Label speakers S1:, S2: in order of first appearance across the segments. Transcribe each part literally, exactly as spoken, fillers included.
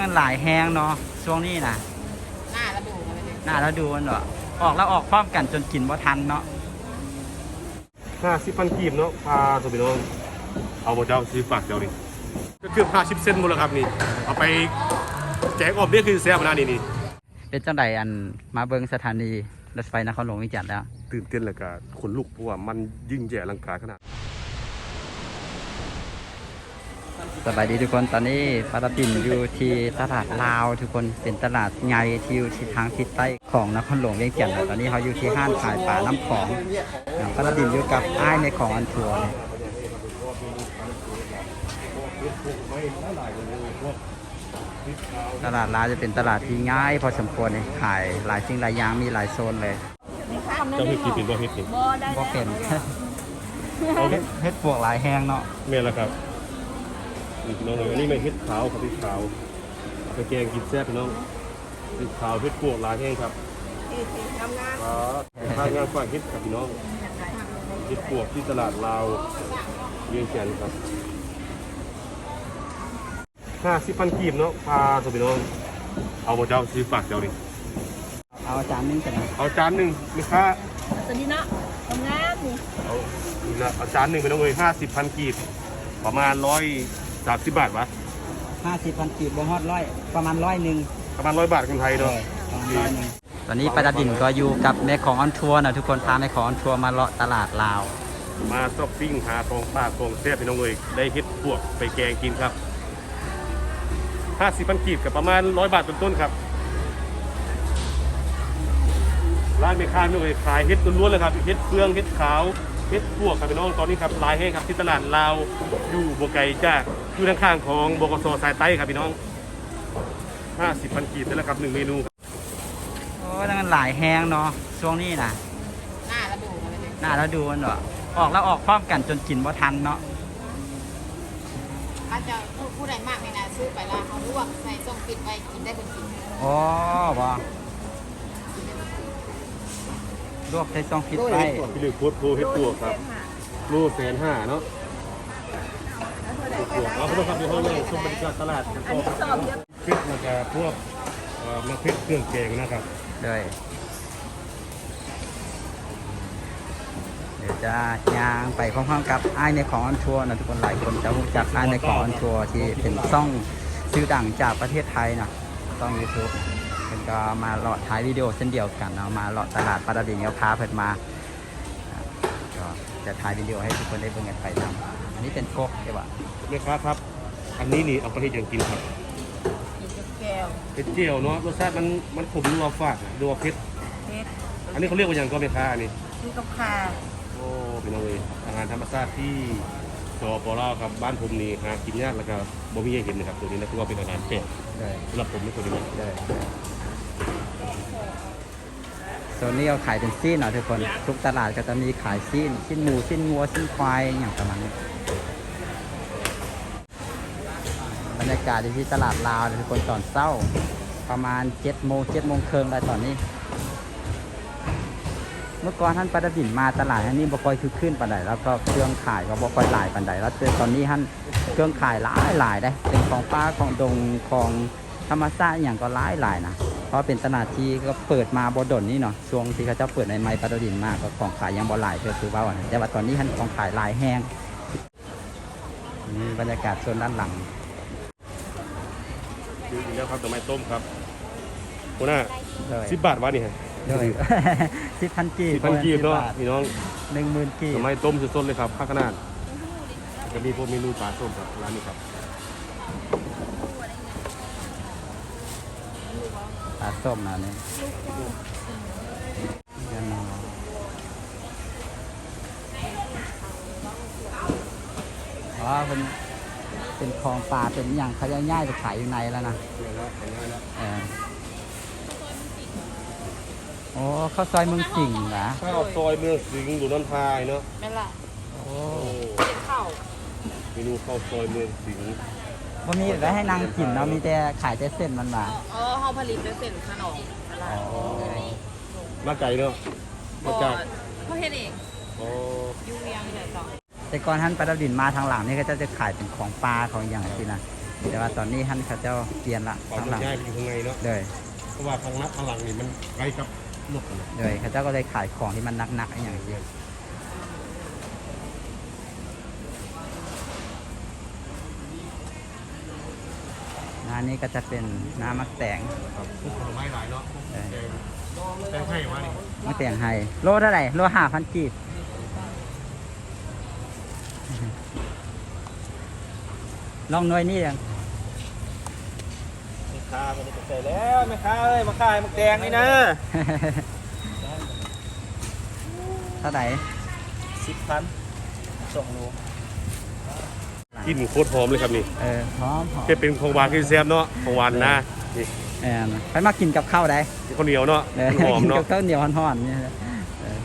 S1: มันหลายแห้งเนาะช่วงนี้นะ
S2: หน้าระดู
S1: หน้าแล้วดูมันเนาะออกแล้วออกพร้อมกันจนกินบ่ทันเนาะ
S3: ห้าสิบพันกีบเนาะพาตัวพี่น้องเอาหมดเจ้าซื้อฝากเจ้านี่ก็คือห้าสิบเซนหมดแล้วครับนี่เอาไปแจกออกเบี้ยคือแซ่บนะนี่นี่
S1: เป็นจังไดอันมาเบิ่งสถานีรถไฟนครหลวงเวียงจันทน์แล้ว
S3: ตื่นเต้นเลยกับขนลุกเพราะว่ามันยิ่งใหญ่อลังการขนาด
S1: สบายดีทุกคนตอนนี้ปาตาปิ่นอยู่ที่ตลาดลาวทุกคนเป็นตลาดใหญ่ที่อยู่ที่ทางทิศใต้ของนครหลวงเวียงจันทน์ตอนนี้เขาอยู่ที่ห้างขายปลาน้ำของปาตาปิ่นอยู่กับอ้ายในของอันทัวร์ตลาดลาวจะเป็นตลาดที่ง่ายพอสมควรเลยขายหลายสิ่งหลายอย่างมีหลายโซนเลย
S3: เจ้าเฮ็ดกี่ปีบ่เฮ็ดนี่
S1: บ่เป็นเฮ็ดปวกหลายแห้งเนาะ
S3: แม่นแล้วครับน้องอันนี้ไม่เฮ็ดขาวครับเฮ็ดขาวไปแกงกินแซ่บพี่น้องเฮ็ดขาวเฮ็ดพวกหลายแห้งครับทำงานทำงานฝากเฮ็ดกับพี่น้องเฮ็ดพวกที่ตลาดลาวเวียงจันทน์ครับห้าสิบพันกีบเนาะพาตัวพี่น้องเอาหมดเจ้าซื้อฝากเจ้านี่
S1: เอาจานนึงกันนะ
S3: เอาจานหนึ่งลูกค้า
S2: สวัสดีนะทำงานนี่
S3: เอาเอาจานหนึ่งไปน้องเลยห้าสิบพันกีบประมาณร้อยสามสิบบาทวะ
S1: ห้าสิบพันกีบบ่ฮอดร้อยประมาณร้อยหนึ่ง
S3: ประมาณร้อยบาทคนไทยเนาะ
S1: ตอนนี้ปาตาดินก็อยู่กับแม่ของออนทัวร์นะทุกคนพาแม่ของออนทัวร์มาเลาะตลาดลาว
S3: มาช้อปปิ้งหาของป้าของแซ่บพี่น้องเลยได้เฮ็ดพวกไปแกงกินครับห้าสิบพันกีบกับประมาณร้อยบาทต้นๆครับร้านแม่ค้าพี่น้องเลยขายเฮ็ดล้วนๆเลยครับเฮ็ดเฟืองเฮ็ดขาวเฮ็ดพวกครับพี่น้องตอนนี้ครับลายให้ครับที่ตลาดลาวอยู่บัวไก่จ้าอยู่ข้างๆของบกส.สายใต้ครับพี่น้องห้าสิบพันกีบนั่นแหละครับหนึ่งเมนู
S1: โอ้แล้วมันหลายแห้งเนาะช่วงนี้นะ
S2: หน้าระดู
S1: หน้าแล้วดูมันเนาะออกแล้วออกพร้อมกันจนกินบ่ทันเนาะ
S2: อาจจะผู้ใดมากในนาซื้อไปแล้วเขาลวกใส่ส้มปิดไว้กินได้เป็นกิน
S1: อ๋อบ่ลวกใส่ซองฟิตไป
S3: พี่ลึกโคตรโคเฮ็ดตัวครับโลแสนห้าเนาะเอาพวกครับเดี๋ยวเขาเลยชมบรรยากาศตลาดกันต่อพริกนะครับพวกมะพริกเครื่องแกงนะครับ
S1: เลยเดี๋ยวจะย่างไปพร้อมๆกับไอ้ในของออนทัวร์นะทุกคนหลายคนจะรู้จักไอ้ในของออนทัวร์ที่เป็นซ่องชื่อดังจากประเทศไทยนะซ่อง ยูทูบ เป็นก็มาเลาะถ่ายวิดีโอเช่นเดียวกันเนาะมาเลาะตลาดปาตาดินเขาพาเพิ่นมาก็จะถ่ายวิดีโอให้ทุกคนได้เบิ่งกันไปนำอันนี้เป็นกกใช่ป่ะ
S3: แม่ค้าครับอันนี้นี่เอาไปให้ยังกินครับ
S2: แก้ว
S3: เป็นเจียวเนาะรสชาติมันมันขมนัวฝาดนัวเผ็ดเผ็ดอันนี้เขาเรียกว่าอย่างก็แม่ค้าอันนี้
S2: คือกับข่า
S3: โอ้เป็นเอาเลยอาหารธรรมชาติที่จอปอล่าครับบ้านผมนี่หากินยากแล้วก็บ่มีให้เห็นนะครับตัวนี้นะคือว่าเป็นอาหารแปลกสำหรับผมนี่ตัวนี้ได้
S1: โซนนี้เขาขายเป็นซีนเนาะทุกคนทุกตลาดก็จะมีขายซีนซีนหมูซีนงัวซีนควายอย่างประมาณนี้บรรยากาศที่ตลาดลาวทุกคนตอนเช้าประมาณเจ็ดโมงเจ็ดโมงครึ่งได้ตอนนี้เมื่อก่อนท่านปาตาดินมาตลาดท่านนี้บ่ค่อยคือขึ้นปานใดแล้วก็เครื่องขายก็บ่ค่อยหลายปานใดแล้วตอนนี้ท่านเครื่องขายหลายหลายได้เป็นของป้าของดงของธรรมชาติอย่างก็หลายหลายนะเพราะเป็นตลาดที่ก็เปิดมาบ่ดนนี่เนาะช่วงที่เขาเจ้าเปิดในไม้ปาตาดินมากก็ของขายยังบ่หลายก็คือว่าแต่ว่าตอนนี้ท่านของขายหลายแห้งนี่บรรยากาศโซนด้านหลัง
S3: ดูอีกแล้วครับดอกไม้ต้มครับคุณน่าสิบบาทวะนี่ฮะ
S1: สิบพันกีบ
S3: สิบพันกีบเนาะพี่น้อง
S1: หนึ่งหมื่นกีบ
S3: ดอกไม้ต้มสดๆเลยครับข้าวขนาดจะมีพวกเมนูปลาส้มครับร้านนี้ครับ
S1: ปลาส้มนะเนี่ยอ๋อเป็นเป็นคลองปลาเป็นอย่างเขาจะง่ายไปขายอยู่ในแล้วนะเออโอ้ข้าวซอยเมืองสิงห์นะ
S3: ข้าวซอยเมืองสิงห์อยู่น้ำพายเนาะ
S2: นั่นแหละ
S1: โอ้
S2: ข้าว
S3: เมนูข้าวซอยเมืองสิงห์
S1: วันนี้ได้ให้นางกินเนาะมีแต่ขายแต่เส้นมันมา
S2: เออเขาผลิตด้วยเส้นขนม
S3: มาไก่เนาะมาจาก
S2: เขาเฮ็ดเองยูเวียงเลยต่อ
S1: แต่ก่อนท่านปาตาดินมาทางหลังนี่ก็จะจะขายเป็นของปลาของอย่างที่นะแต่ว่าตอนนี้ท่านเขาเจ้าเปลี่ยนละ
S3: ปล่อย
S1: ข้าง
S3: มั
S1: หลั
S3: น
S1: ง
S3: ย้ายไปอยู่ข้างในเนาะ
S1: เลย
S3: เพราะว่าข้างหน้าข้างหลังนี่มันใกล้กับรถนะ
S1: เลยเขาเจ้าก็เลยขายของที่มันหนักๆอย่างเดียวน้านี้ก็จะเป็นน้ำมักแตง
S3: ครับพวกผลไม้หลายเนาะพวก
S1: เออ
S3: แตงแตงไทยมานี่
S1: มักแตงไฮโลเท่าไหร่โลห้าพันกีบลองหน่วยนี่ยัง
S4: แม่ค้าไม่ได้กาแฟแล้วแม่ค้าเอ้ยมาขายมักแดงนี่นะ
S1: เท่าไหร่
S4: สิบพันสองโล
S3: กลินโคตรหอมเลยครับนี่
S1: เออพร้อมพร้อม
S3: แค่เป็นของหวานคือแซ่บเนาะของหวานนะนี่
S1: แอนไปมากินกับข้าวได้
S3: ข้าวเหนียวเนาะ
S1: เออ
S3: หอม
S1: กิน
S3: เนาะ
S1: กับข้าวเหนียวห่อนๆเนี่ยเออ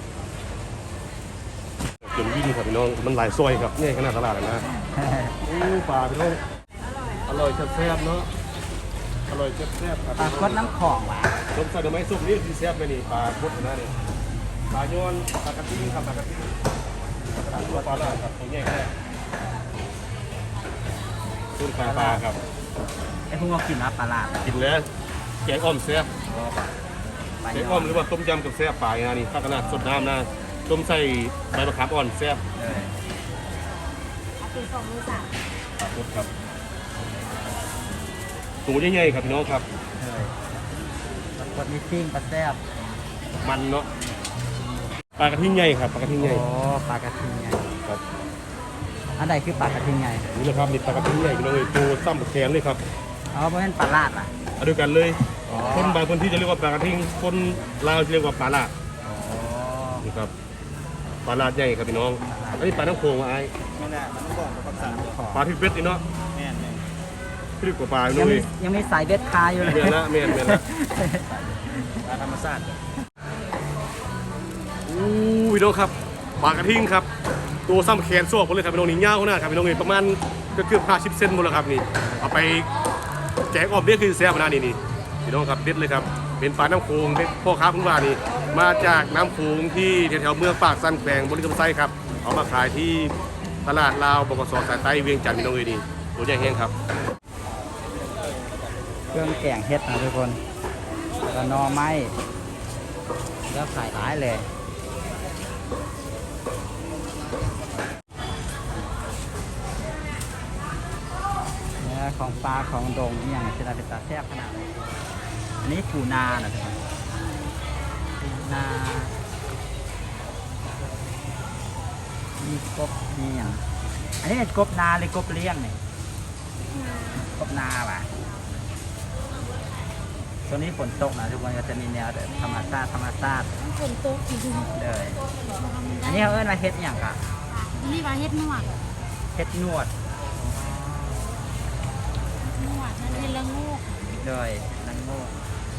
S3: จนวิ่งครับพี่น้องมันหลายซอยครับนี่ขนาดตลาดเลยนะอู้ปลาพี่น้องอร่อยแซ่บๆเนาะอร่อยแซ่บๆครับ
S1: ปลากดน้ำของว่ะ
S3: ต้มใส่ดอกไม้สุกนี่คือแซ่บไปนี่ปลาพดนะนี่ปลาโยนปลากระติ้งครับปลากระติ้งปลาตัวปลาลาครับตรงนี้แค่ต้นปลาปลาครับ
S1: ไอ้พวกเรากินนะปลาลาด
S3: กินแล้วแกงอ้อมแซ่บ
S1: ปลา
S3: แกง
S1: ย
S3: อ้อมหรือว่าต้มยำกับแซ่บปลานะนี่ข้าวขนาดสดน้ำนะต้มใส่ใบมะขามอ่อนแซ่บ
S1: เลย
S2: เอาเป็นสองมือสาม
S3: ปลาพดครับตัวใหญ่ๆครับพี่น้องครับ
S1: เลยปลากดนี่ซิ่งปลาแซ่บ
S3: มันเนาะปลากระทิงใหญ่ครับปลากระทิงใหญ่
S1: โอ้ปลากระทิงไง
S3: ครับ
S1: อันใดคือปลากระทิงไง
S3: นี่แหละครับนี่ปลากระทิงใหญ่พี่น้องเลยตัวซ้ำแขนเลยครับ
S1: อ๋อเพราะเป็นปลาลาดอ่ะ
S3: เอาด้วยกันเลย
S1: อ๋อ
S3: คนบางพื้นที่จะเรียกว่าปลากระทิงคนลาวจะเรียกว่าปลาลาด
S1: อ๋อ
S3: นี่ครับปลาลาดใหญ่ครับพี่น้องอันนี้ปลาน้ำโขงว่าไอ้
S4: ไม่น่ามันต้องบอกกับภาษาเดียว
S1: ขอ
S3: ปลาที่เป็ดนี่เนาะ
S4: แม่นแม่น
S3: พี่กว่าปลา
S1: ยั
S3: เล
S1: งมี
S3: ย
S1: ยังมีสายเบ็ดคาอยู่เลย
S3: เมียนละเมียนเมียนละ
S4: ปลาธรรมชาติ
S3: อู้พี่น้องครับปลากระทิงครับตัวซ้ำแขนโซ่ผมเลยครับพี่น้องนี่ยาวขนาดครับพี่น้องนี่ประมาณก็เกือบห้าสิบเซนหมดแล้วครับนี่เอาไปแกงอ่อมเด็ดคือแซ่บขนาดนี้นี่พี่น้องครับเด็ดเลยครับเป็นปลาน้ำโขงเป็นพ่อค้าพุ่งว่านี่มาจากน้ำโขงที่แถวๆเมืองปากสันแขวงบริกรรมไซครับเอามาขายที่ตลาดลาวบกสสายใต้เวียงจันทร์พี่น้องเลยนี่ตัวใหญ่แห้งครับ
S1: เครื่องแกงเฮ็ดนะทุกคนแล้วก็หนอไม้แล้วขายหลายเลยเนี่ยของปลาของดงนี่อย่างเช่นเป็นตาแซ่บขนาดนี้อันนี้ปูนานะทุกคนปูนามีกบนี่อย่างอันนี้เป็นกบนาหรือกบเลี้ยงเนี่ยกบนาป่ะ ช่วงนี้ฝนตกนะทุกคนก็จะมีแนวแบบธรรมชาติธรรมชาติ
S2: ฝนตกจริง
S1: เลย
S2: ๆ
S1: อันนี้เขาเอิ้นว่าเฮ็ดอหย่างกะ
S2: นี่ว่าเฮ็ดนวด
S1: เฮ็ดนวด
S2: นวดนั่นเฮ็ดละโงก
S1: เลยนังโง่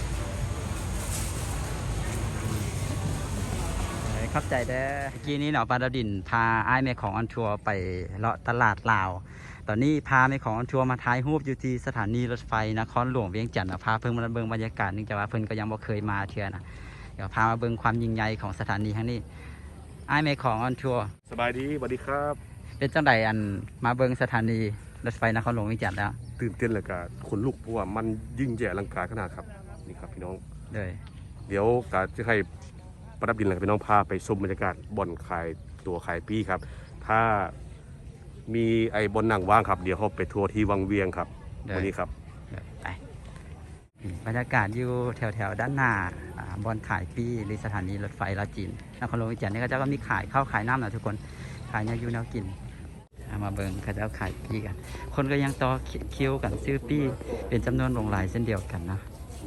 S1: เลยเข้าใจเด้อเมื่อกี้นี้เนาะปาดาวดินพาอ้ายแม่ของออนทัวร์ไปเลาะตลาดลาว ตอนนี้พาแม่ของออนทัวร์มาถ่ายรูปอยู่ที่สถานีรถไฟนครหลวงเวียงจันทร์นะพาเพิ่งมาเบิ่งบรรยากาศเนื่องจากว่าเพิ่นก็ยังบ่เคยมาเทื่อนะเดี๋ยวพามาเบิ่งความยิ่งใหญ่ของสถานีครั้งนี้อ้ายแม่ของออนทัวร์
S3: สบายดีสวัสดีครับ
S1: เป็นจังใดอันมาเบิ่งสถานีรถไฟนครหลวงเวียงจันทร์แล้ว
S3: ตื่นเต้นเลยกับขนลุกเพราะว่ามันยิ่งใหญ่อลังการขนาดครับนี่ครับพี่น้อง
S1: เลย
S3: เดี๋ยวกาจะให้ประดับดินเลยพี่น้องพาไปชมบรรยากาศบ่อนขายตัวขายปีครับ ถ้ามีไอ้บนหนังว่างครับเดี๋ยวเขาไปทัวร์ที่วังเวียงครับวันนี้ครับ
S1: เลยไปนี่บรรยากาศอยู่แถวแถวๆด้านหน้าอ่าบอนขายปีหรือสถานีรถไฟลาวจีนนครหลวงเวียงจันทร์นี่ก็จะก็มีขายข้าวขายน้ำนะทุกคนขายแนวอยูแนวกินเอามาเบิ่งเขาจะเอาขายปีกัน คนก็ยังต่อคิวกันซื้อปีเป็นจำนวนหลงหลายเช่นเดียวกันนะ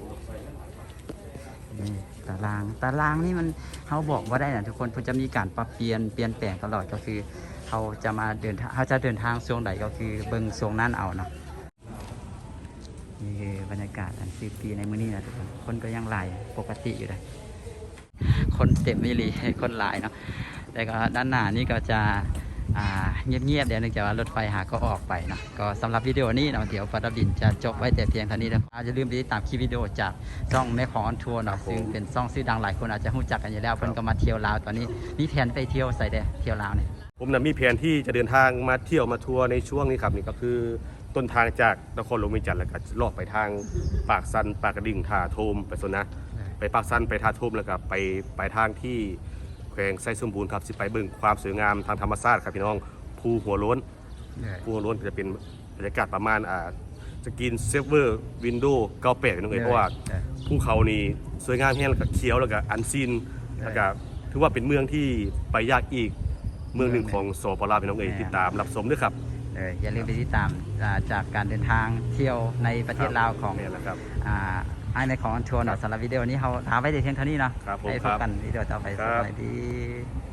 S1: นี่ตารางตารางนี่มันเขาบอกว่าได้นะทุกคนเพื่อจะมีการปรับเปลี่ยนเปลี่ยนแปลงตลอดก็คือเขาจะมาเดินทางเขาจะเดินทางช่วงไหนก็คือเบิ่งช่วงนั้นเอาเนาะนี่คือบรรยากาศอันซื้อปีในมื้อนี้นะทุกคนคนก็ยังหลายปกติอยู่เลยคนเต็มไม่รีคนหลายเนาะแต่ก็ด้านหน้านี่ก็จะอ่าเงียบๆเดี๋ยวเนื่องจากว่ารถไฟหาก็ออกไปเนาะก็สำหรับวิดีโอนี้เนาะเดี๋ยวปาดับดินจะจบไว้แต่เพียงเท่านี้นะอาจจะลืมไปติดตามคลิปวิดีโอจากช่องแม่ของออนทัวร์เนาะซึ่งเป็นช่องชื่อดังหลายคนอาจจะรู้จักกันอยู่แล้วเพิ่นก็มาเที่ยวลาวตอนนี้มีแผนไปเที่ยวใส่เด้อเที่ยวลาวเนี่ย
S3: ผมนะมีแผนที่จะเดินทางมาเที่ยวมาทัวร์ในช่วงนี้ครับนี่ก็คือต้นทางจากนครหลวงเวียงจันทร์แล้วก็ลอกไปทางปากซันปากกระดิ่งท่าโทมไปโซนนะไปปากซันไปท่าโทมแล้วก็ไปไปทางที่แขวงไซสมบูรณ์ครับสิไปเบิ่งความสวยงามทางธรรมชาติครับพี่น้องภูหัวโล้นภูหัวโล้นจะเป็นบรรยากาศประมาณอ่าสกินเซฟเวอร์วินโดว์เก้าแปดน้องเอ๋ยเพราะว่าภูเขานี่สวยงามแห้งแล้วก็เขียวแล้วก็อันซีนแล้วก็ถือว่าเป็นเมืองที่ไปยากอีกเมืองหนึ่งของสปปลาวพี่น้องเอ๋ยติดตามรับชมด้วยครับ
S1: เอออย่าลืมไปติดตามอ่าจากการเดินทางเที่ยวในประเทศลาวของ
S3: นี่แหละครับ
S1: อ่าไอ้ในของทัวร์เนาะสำหรับวิดีโอนี้เขาถามไว้แต่เพียงเท่านี้เนาะ
S3: ครับผม
S1: ให้พบกันวิดีโอต่อไป
S3: ค
S1: ส
S3: รับ
S1: วัสดี